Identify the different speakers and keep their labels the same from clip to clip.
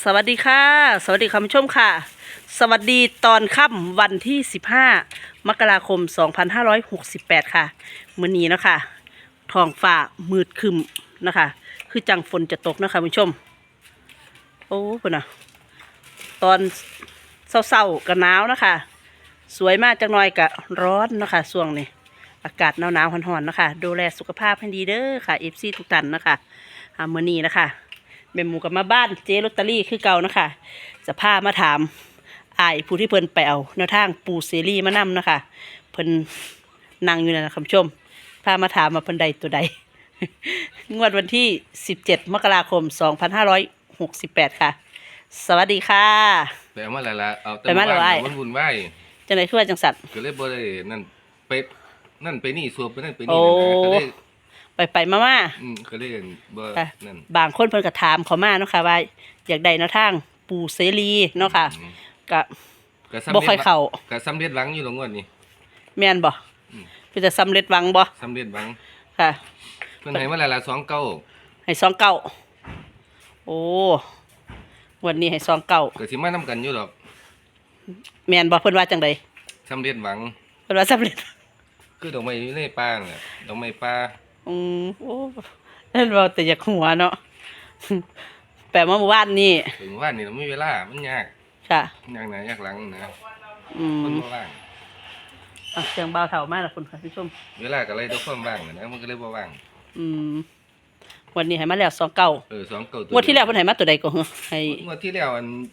Speaker 1: สวัสดีค่ะสวัสดีคุณผู้ชมค่ะสวัสดีตอนค่ำวันที่15มกราคม2568ค่ะมื้อนี้เนาะค่ะท้องฟ้ามืดครึ้มนะคะคือจังฝนจะตกนะคะคุณผู้ชมโอ้พุ่นน่ะตอนเศร้าๆกับหนาวนะคะสวยมากจังหน่อยกับร้อนนะคะช่วงนี้อากาศหนาวๆร้อนๆนะคะดูแลสุขภาพให้ดีเด้อค่ะ FC ทุกท่านนะคะมื้อนี้นะคะแม่หมูกับมาบ้านเจ๊ลอตเตอรี่คือเก่านะคะจะพามาถามอ้ายผู้ที่เพิ่นไปเอาแนวทางปูเสรีมานำนะคะเพิ่นนั่งอยู่นั่นนะคุณผู้ชมพามาถามมาเพิ่นใดตัวใด งวดวันที่17มกราคม2568ค่ะสวัสดีค่ะ
Speaker 2: ไปเอามาแล้วล่ะเอาแต่
Speaker 1: ไปมาแล้วอ้าย
Speaker 2: มันวุ่นวาย
Speaker 1: จังได๋คือว่าจังสัตว์
Speaker 2: ก็เลยบ่ได้นั่นไปนี่สวบไปนั่นไป
Speaker 1: โอ้
Speaker 2: นี่นะก็เลย
Speaker 1: ไปมา
Speaker 2: ก็เลยบ่
Speaker 1: ค่ะ
Speaker 2: นั่น
Speaker 1: บางคนเพิ่นก็ถามเขามาเนาะค่ะว่าอยากได้แนวทางปูเสรีเนาะค่ะก็
Speaker 2: ก็
Speaker 1: บ่ค่อยเข้า
Speaker 2: ก็สำเร็จหวังอยู่ตรงงวดนี้
Speaker 1: แม่นบ่
Speaker 2: อืม
Speaker 1: เพิ่นจะสำเร็จหวังบ่
Speaker 2: สำเร็จหวัง
Speaker 1: ค่ะ
Speaker 2: เพิ่นให้มาแล้วล่ะ29
Speaker 1: ให้29โอ้วันนี้ให้29
Speaker 2: ก็สิมานํกันอยู่ดอก
Speaker 1: แม่นบ่เพิ่นว่าจังได๋
Speaker 2: สำเร็จหวัง
Speaker 1: เพิ่นว่าสำเร็จ
Speaker 2: คือดอกไม้อยู่ในป่าน่ะดอกไม้ป่า
Speaker 1: โอ้นั่นเว้าแต่อยากหัวเนาะ แปลว่าเมื่อวานนี้
Speaker 2: ถึงว่านี่เราไม่มีเวลามันยาก
Speaker 1: ค่ะ
Speaker 2: ยากหน้ายากหลังนะ
Speaker 1: อื
Speaker 2: คน
Speaker 1: ม
Speaker 2: บ่ว่าง
Speaker 1: เสียงเบาเท่ามากล่ะคุณผู้ชม
Speaker 2: เวลาก็เลยต้องความว่างนะมันก็เลยบ่ว่าง
Speaker 1: อืมวันนี้ให้มาแล้ว29
Speaker 2: 29ตัว
Speaker 1: งวดที่แล้วเพิ่นให้มาตัวใดก็เหรอให้
Speaker 2: งวดที่แล้ว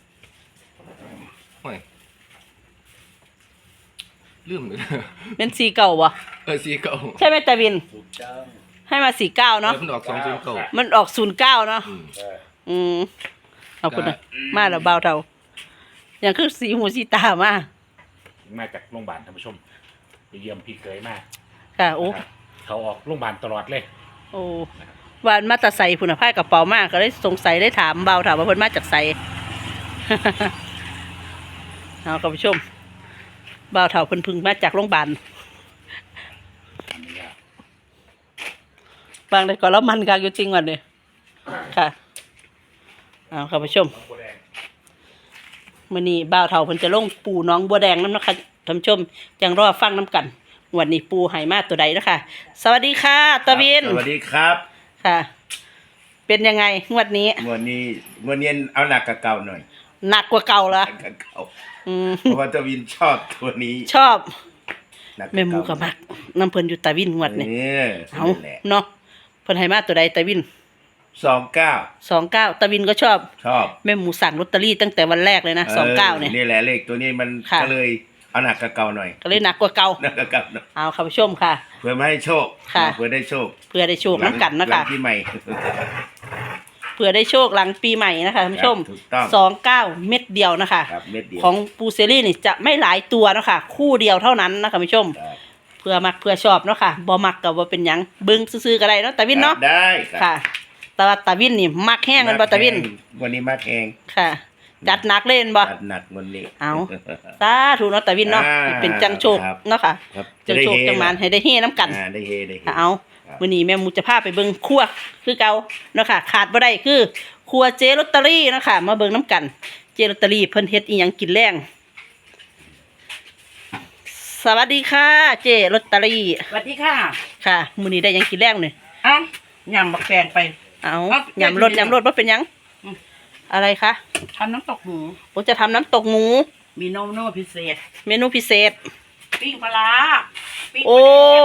Speaker 2: โอ้ยลืมเลย
Speaker 1: เป็น49บ่ใช่ไหมตาวินให้มา49เนาะ
Speaker 2: มันออก209
Speaker 1: มันออก09เนาะอืมเอาคุณน่ะมาแล้วเบาเท่าอย่างคือสีหูสีตามา
Speaker 3: มาจากโรงพยาบาลท่านผู้ชมไปเยี่ยมพี่เคยมา
Speaker 1: ค่ะโอ้
Speaker 3: นะครับเขาออกโรงพยาบาลตลอดเลย
Speaker 1: โอ้วานมาแตาใส่พุ่นน่ะพายกระเป๋ามากก็เลยสงสัยได้ถามเบาถามว่าเพิ่นมาจากไส เอาคุณผู้ชมเบาเท่าเพิ่นเพึ่งมาจากโรงพยาบาล
Speaker 3: อันนี้ก็
Speaker 1: บางได้ก็แล้วมันกากอยู่จริงวันนี้ค่ะเอาคุณผู้ชมมื้อนี้บ่าวเฒ่าเพิ่นจะลงปูน้องบัวแดงนำนะคะท่านผู้ชมจังรอฟังนํกันวันนี้ปูให้มาตัวใดเนาะค่ะสวัสดีค่ะตะวิน
Speaker 4: สวัสดีครับ
Speaker 1: ค่ะ เป็นยังไงงวดนี้
Speaker 4: วันนี้เอาหนักกับเก่าหน่อย
Speaker 1: หนักกว่าเก่าเหรอ
Speaker 4: หนักกับเก่า
Speaker 1: อืม
Speaker 4: เพราะว่าตะวินชอบตัวนี้
Speaker 1: ชอบ
Speaker 4: หนัก
Speaker 1: แม่หมูกับมักน้ำเพิ่นอยู่ตะวินงวดนี่
Speaker 4: นี่
Speaker 1: เอา
Speaker 4: แหละ
Speaker 1: เนาะเพิ่นให้มาตัวใดตะวิน
Speaker 4: 29
Speaker 1: 29ตะวินก็ชอบ
Speaker 4: ชอบ
Speaker 1: แม่หมูสั่งลอตเตอรี่ตั้งแต่วันแรกเลยนะ29เนี่ย
Speaker 4: นี่แหละเลขตัวนี้มัน
Speaker 1: ค่ะ
Speaker 4: ก็เลยเอาหนักกับเก่าหน่อย
Speaker 1: ก็เลยหนักกว่าเก่า
Speaker 4: หนักกับเก่าหน่อย
Speaker 1: เอาค่ะผู้ชมค่ะ
Speaker 4: เพื่อไม่ให้โชค
Speaker 1: ค่ะ
Speaker 4: เพื่อได้โชค
Speaker 1: เพื่อได้โชคน้ำกันนะ
Speaker 4: หลั
Speaker 1: คะ
Speaker 4: งที่ใหม่
Speaker 1: เพื่อได้โชคหลังปีใหม่นะคะท่านผู้ชม
Speaker 4: ถูกต้อง
Speaker 1: 29 เม็ดเดียวนะคะ
Speaker 4: ครับเม็ดเดียว
Speaker 1: ของปูเซรี่นี่จะไม่หลายตัวเนาะคะคู่เดียวเท่านั้นนะคะผู้ชม
Speaker 4: ครับ
Speaker 1: เพื่อมักเพื่อชอบเนาะค่ะบ่มักก็บ่เป็นหยังเบิ่งซื่อๆก็ได้เนาะตาวินเนาะ
Speaker 4: ได้ครับ
Speaker 1: ค่ะแต่ว่าตาวินนี่มักแห้งกันบ่ตาวิน
Speaker 4: วันนี้มาแข่ง
Speaker 1: ค่ะ จัดหนักเล่นบ่
Speaker 4: จัดหนักวันนี้
Speaker 1: เอา สาธุเนาะตาวินเนาะ
Speaker 4: อ่า
Speaker 1: ให้เป็นจังโชค
Speaker 4: ครับ
Speaker 1: เนาะค่ะ
Speaker 4: ครับ
Speaker 1: จังโชค
Speaker 4: จะได้เฮ
Speaker 1: จังหมานให้ได้เฮน้ำกัน
Speaker 4: ได้เฮได้เฮ
Speaker 1: ค่ะเอา
Speaker 4: ครับ
Speaker 1: มื้อนี้แม่หมูจะพาไปเบิ่งครัวคือเก่าเนาะค่ะขาดบ่ได้คือครัวเจลอตเตอรี่เนาะค่ะมาเบิ่งน้ำกันเจลอตเตอรี่เพิ่นเฮ็ดอีหยังกินแรงสวัสดีค่ะ เจลอตเตอรี่
Speaker 5: สวัสดีค่ะ
Speaker 1: ค่ะมื้อนี้ได้หยังกินแรงนี่
Speaker 5: เอ้ายำบักแตงไป
Speaker 1: เอา
Speaker 5: ครับ
Speaker 1: ยำรสบ่เป็นหยัง
Speaker 5: อืม
Speaker 1: อะไรคะ
Speaker 5: ทำน้ำตกหมู
Speaker 1: ผมจะทำน้ำตกหมู
Speaker 5: มีโนโน่พิเศษ
Speaker 1: เมนูพิเศษ
Speaker 5: ปิ้งปลาร้าปิ้ง
Speaker 1: โอ้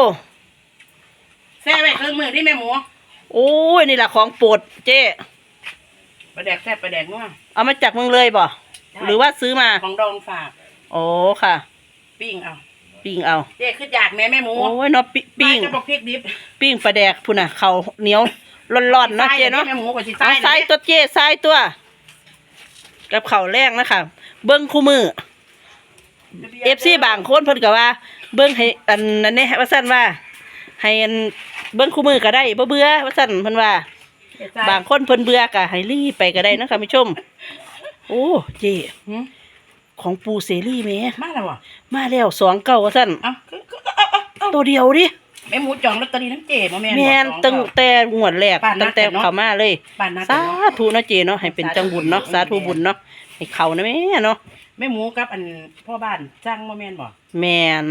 Speaker 5: แซ่บไว้เครื่องมือที่แม่หมู
Speaker 1: โอ้ยนี่แหละของโปรดเจ๊
Speaker 5: ปลาแดกแซ่บปลาแดกนัว
Speaker 1: เอามาจากเมืองเลยบ่
Speaker 5: ใช่
Speaker 1: หรือว่าซื้อมา
Speaker 5: ของดองฝาก
Speaker 1: โอ้ค่ะ
Speaker 5: ปิ้งเอา
Speaker 1: ปิ้งเอา
Speaker 5: เจ๊ขึ้นอยากแม่หมู
Speaker 1: โอ้ยเนาะปิ้ง
Speaker 5: จะบอกพริกดิบ
Speaker 1: ปิ้งปลาแดกพุ่นน่ะเขาวเหนียวร้อนๆเนาะเจ๊เนาะ
Speaker 5: แม่หมูกับสิ
Speaker 1: เอาใส่ตัวเจ๊ใส่ตัว กับข้าวแรงนะคะเบิ้งคู่มือ FC บางคนเพิ่นก็ว่า เบิ้งให้อันนั้นนี่ว่าซั่นว่า ให้อันเบิ้งคู่มือก็ได้บ่เบื่อว่าซั่นเพิ่นว่า บางคนเพิ่นเบื่อก็ให้รีบไปก็ได้นะค่ะผู้ชม โอ้เจ๊ของปูเสรีแหม่
Speaker 5: มาแล้วบ่
Speaker 1: มาแล้ว29ว่าซั่น
Speaker 5: เอา
Speaker 1: ตัวเดียวดิ
Speaker 5: แม่หมูจองลอตเตอรี่น้ำเจบ่แม่น
Speaker 1: แม่น
Speaker 5: บอก
Speaker 1: ตั้งแต่งวดแรก
Speaker 5: บ้านนั
Speaker 1: ตั้
Speaker 5: ด
Speaker 1: งแต่
Speaker 5: กันเนาะ
Speaker 1: เข้ามาเลย
Speaker 5: บ้านนัด
Speaker 1: สา
Speaker 5: กันเนาะ
Speaker 1: ธุเนาะเจเนาะให้เป็นจังบุญเนาะสาธุบุญเนาะให้เขานะแม่เนาะ
Speaker 5: แม่หมูกับอันพ่อบ้านจ้างบ่แม่นบ่
Speaker 1: แม่น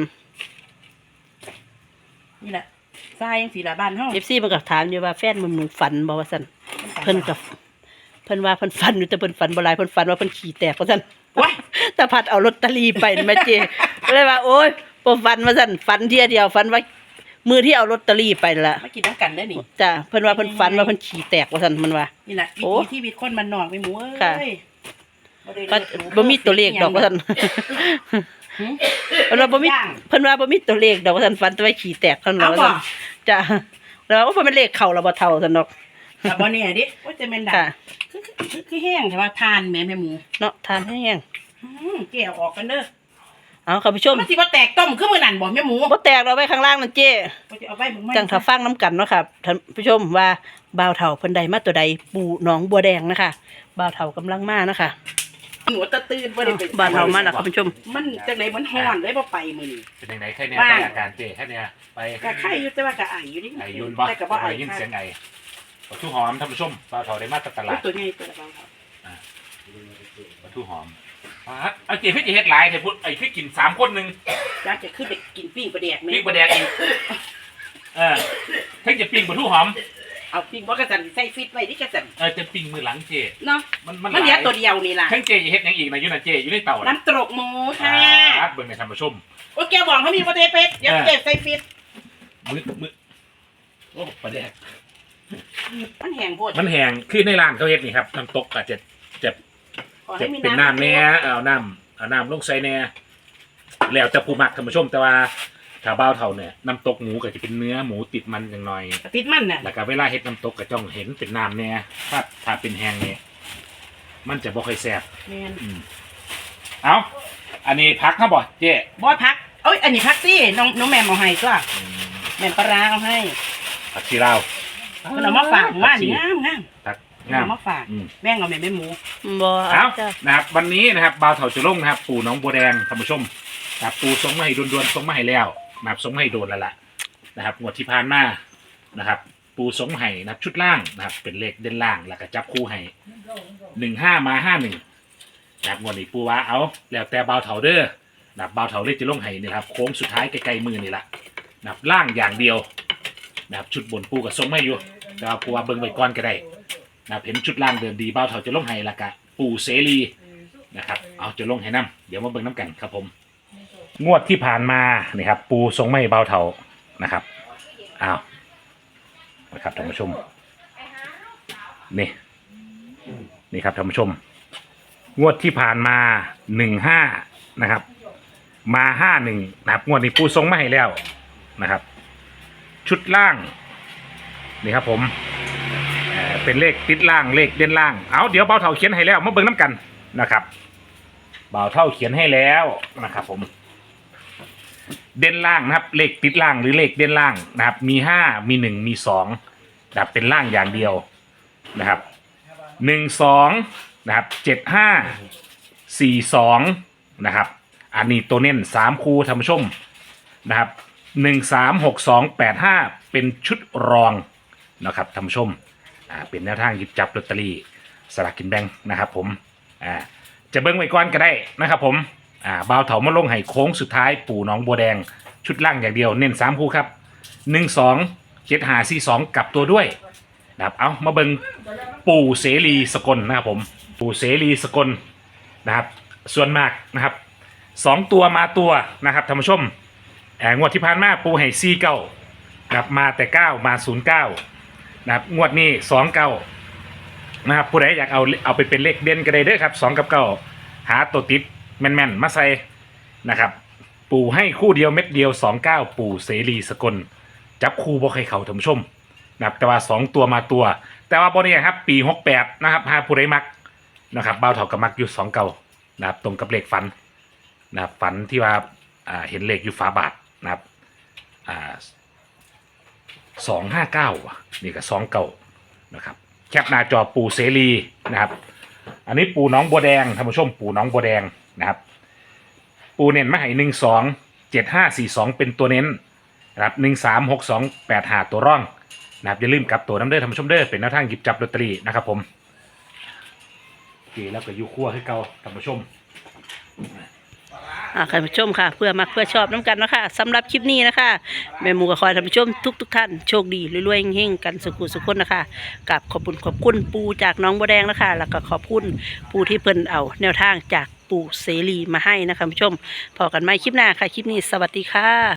Speaker 5: นี่แหละทรายจังซี่ล่ะบ้านเฮา
Speaker 1: FC มันก็ถามอยู่ว่าแฟนมึงฝันบ่ว่าซั่นเพิ่นก็เพิ่นว่าเพิ่นฝันอยู่แต่เพิ่นฝันบ่หลายเพิ่นฝันว่าเพิ่นขี่แตกว่าซั่น
Speaker 5: ว้าย
Speaker 1: แต่พัดเอาลอตเตอรี่ไปนะแม่เจเลยว่าโอ๊ยบ่ฝันว่าซั่นฝันเที่ยเดียวฝันว่ามือที่เอาลอตเตอรี่ไปนั่นล่ะ
Speaker 5: มากินน้ำกันเด้อนี่
Speaker 1: จ้ะเพิ่นว่าเพิ่นฝันว่าเพิ่นขี่แตกว่าซั่นมันว่า
Speaker 5: นี่แหละวิ
Speaker 1: โอ้
Speaker 5: ถีชีวิตคนบ้านนอกแม่หมู
Speaker 1: ค่ะ
Speaker 5: เอ้ยได้
Speaker 1: ก็
Speaker 5: เลือดห
Speaker 1: บ่มีตัวเลขดอกว่าซั่น
Speaker 5: หืม
Speaker 1: เพิ่นว่าบ่มี
Speaker 5: ย่าง
Speaker 1: เพิ่นว่าบ่มีตัวเลขดอกว่าซั่นฝันแต่ว่าขี่แตกเท่านั้น
Speaker 5: เอา
Speaker 1: ว่า
Speaker 5: บ่
Speaker 1: ซั่นจ้ะแล้วว่าเพิ่นเป็นเลขเข้าแล้วบ่เท่าซั่นดอก
Speaker 5: กับบ่เนี่ยดิว่าจะแม่นดัก
Speaker 1: ค่ะ
Speaker 5: คือแห้งแต่ว่าทานแม่หมู
Speaker 1: เนาะทานแห้ง
Speaker 5: แก้วออกกันเด้อ
Speaker 1: เอาคุณผู้ชม
Speaker 5: มันสิบ่แตกต้มคือมื้อนั้นบ่แม่หมู
Speaker 1: บ่แตกเราไว้ข้างล่างนั่นเจ้
Speaker 5: ว่าจะเอาไปมึง
Speaker 1: จังถ้าฟังน้ำกันเนาะครับท่านผู้ชมว่าบ่าวเฒ่าเพิ่นใดมาตัวใดปู่หนองบัวแดงนะคะบ่าวเฒ่ากำลังมานะคะ
Speaker 5: หนูตะตื่นบ่ได้ไป
Speaker 1: บ่าวเฒ่ามาแล้วคุณผู้ชม
Speaker 5: มันจังได๋มันฮ้อนเลยบ่ไปมื้อนี้
Speaker 3: เป็นยังไงแค่เนี้ย
Speaker 5: บ้าง
Speaker 3: ไปอาการเจแค่เนี้ยไป
Speaker 5: ก็ไข่อยู่แต่ว่าก็ไออยู่ดิ
Speaker 3: ไอยุนบ่
Speaker 5: แต่ก็บ่ไอ
Speaker 3: ยินเสียงไอปลาทูหอมท่านผู้ชมปลาเถาได้มาจากตลาด
Speaker 5: ตัวใหญ่ตัวละบ่าวเฒ่า
Speaker 3: ปลาทูหอมเอาเจพี่จะเฮ็ดหลายแต่พูดไอ้พี่กิน3 คนหนึง
Speaker 5: อยากจะขึ้นไปกินปิ้งปลาแดกแม่
Speaker 3: ปิ้งปลาแดกอีกเพิ่งจะปิ้งปลาทูหอม
Speaker 5: เอาปิ้งบ่กระสันใส่ฟิตไว้ดิกระสัน
Speaker 3: จะปิ้งมือหลังเจ
Speaker 5: เนาะ
Speaker 3: มัน
Speaker 5: มันเหลือตัวเดียวนี่ล่ะ
Speaker 3: เพิ่งเจจะเฮ็ดหยังอีกนะอยู่นะเจอยู่ในเตาน่ะ
Speaker 5: น้ำตรกหมูค่ะ
Speaker 3: เบิ่งในท่านผู้ชม
Speaker 5: โอ้แกบอกเขามีประเทศเป็ดเดี๋ยวเก็บใส่ฟิต
Speaker 3: มือโอ้ปลาแดก
Speaker 5: มันแห้งโพด
Speaker 3: มันแห้งคือในร้านเขาเฮ็ดนี่ครับน้ำตกอาจจะ
Speaker 5: ขอ
Speaker 3: จะ
Speaker 5: ให้มี
Speaker 3: เป็นน้ำแหน่เอาน้ำลงใส่แหน่แล้วจะผู้มักท่านผู้ชมแต่ว่าถ้าบ้าวเท่าเนี่ยน้ำตกหมูก็จะเป็นเนื้อหมูติดมันอย่างหน่อย
Speaker 5: ติดมันน่ะ
Speaker 3: แล้วก็เวลาเฮ็ดน้ำตกก็จ้องเห็นเป็นน้ำแหน่ถ้าเป็นแห้งเนี่ยมันจะบ่ค่อยแซ่บ
Speaker 5: แม่น
Speaker 3: เอาอันนี้พักครับบ่เจ๊
Speaker 5: บอยพักเอ้ยอันนี้พักสิน้องแม่เอาให้ตัวแม่ปลาร้าเอาให้
Speaker 3: ผักชีลาว
Speaker 5: เพิ่นเอามาฝากว่านงามงาม
Speaker 3: ผัก
Speaker 5: เอา
Speaker 3: งาม
Speaker 5: มาฝาก
Speaker 3: อืม
Speaker 5: แม่งเอาแม่หมู
Speaker 1: บ่
Speaker 3: เอา
Speaker 1: จ้ะ
Speaker 3: นะครับวันนี้นะครับบ่าวเถาจะลงนะครับ ปู่น้องบัวแดงท่านผู้ชมนะครับปู่ส่งมาให้ด่วนๆส่งมาให้แล้วนะครับส่งมาให้โดนแล้วล่ะนะครับงวดที่ผ่านมานะครับ ปู่ส่งมาให้นะครับชุดล่างนะครับ เป็นเลขเด่นล่างแล้วก็จับคู่ให้15 มา 51นะครับงวดนี้ปู่ว่าเอาแล้วแต่บ่าวเถาเด้อนะครับบ่าวเถาเลขจะลงให้นี่ครับโค้งสุดท้ายใกล้ๆมือนี่ละนะครับล่างอย่างเดียวนะครับชุดบนปู่ก็ส่งมาให้อยู่แต่ว่าปู่ว่าเบิ่งไว้ก่อนก็ได้นะครับเห็นชุดล่างเดิมดีบ่าวเถาจะลงให้และกะปู่เสรีนะครับเอาจะลงให้น้ำเดี๋ยวมาเบิ่งน้ำกันครับผมงวดที่ผ่านมานี่ครับปู่ส่งมาให้บ่าวเถานะครับเอานะครับท่านผู้ชมนี่ครับท่านผู้ชมงวดที่ผ่านมา15นะครับมา51นะครับงวดนี้ปู่ส่งมาให้แล้วนะครับชุดล่างนี่ครับผมเป็นเลขติดล่างเลขเด่นล่างเอาเดี๋ยวเบาเท่าเขียนให้แล้วมาเบิ่งน้ำกันนะครับเบาเท่าเขียนให้แล้วนะครับผมเด่นล่างนะครับเลขติดล่างหรือเลขเด่นล่างนะครับมี5มี1มี2นะครับเป็นล่างอย่างเดียวนะครับ12นะครับ7542นะครับอันนี้ตัวเน้น3คู่ท่านผู้ชมนะครับ136285เป็นชุดรองนะครับท่านผู้ชมเป็นแนวทางหยิบจับลอตเตอรี่สลากกินแบ่งนะครับผมจะเบิ้งไว้ก่อนก็ได้นะครับผมบ่าวเถามาลงให้โค้งสุดท้ายปู่น้องบัวแดงชุดล่างอย่างเดียวเน้น3คู่ครับ127542กลับตัวด้วยนะครับเอามาเบิ้งปู่เสรีสกลนะครับผมปู่เสรีสกลนะครับส่วนมากนะครับ2ตัวมาตัวนะครับท่านผู้ชมงวดที่ผ่านมาปู่ให้49นะครับมาแต่9มา09นะครับงวดนี้29นะครับผู้ใดอยากเอาไปเป็นเลขเด่นก็ได้เด้อครับ2กับ9หาตัวติดแม่นๆมาใส่นะครับปู่ให้คู่เดียวเม็ดเดียว29ปู่เสรีสกลจับคู่บ่ใครเขาท่านผู้ชมนะครับแต่ว่า2ตัวมาตัว แต่ว่าบ่เนี่ยครับปี68นะครับหาผู้ใดมักนะครับบ่าวเฒ่าก็มักอยู่29นะครับตรงกับเลขฝันนะครับฝันที่ว่าเห็นเลขอยู่ฝาบาทนะครับ259นี่ก็29นะครับแคปหน้าจอปู่เสรีนะครับอันนี้ปู่น้องบัวแดงท่านผู้ชมปู่น้องบัวแดงนะครับปู่เน้นมาให้127542เป็นตัวเน้นนะครับ136285ตัวร่องนะครับอย่าลืมกลับตัวน้ำเด้อท่านผู้ชมเด้อเป็นแนวทางหยิบจับลอตเตอรี่นะครับผมโอเคแล้วก็อยู่ครัวให้เก่าท่านผู้ชม
Speaker 1: ท่านผู้ชมค่ะ เพื่อมักเพื่อชอบน้ำกันนะคะสำหรับคลิปนี้นะคะแม่หมูก็ขอให้ท่านผู้ชมทุกท่านโชคดีรวยๆเฮงๆกันสุขคนนะคะกับขอบคุณปูจากน้องบัวแดงนะคะแล้วก็ขอบคุณปูที่เพิ่นเอาแนวทางจากปูเสรีมาให้นะคะท่านผู้ชมพอกันไหมคลิปหน้าค่ะคลิปนี้สวัสดีค่ะ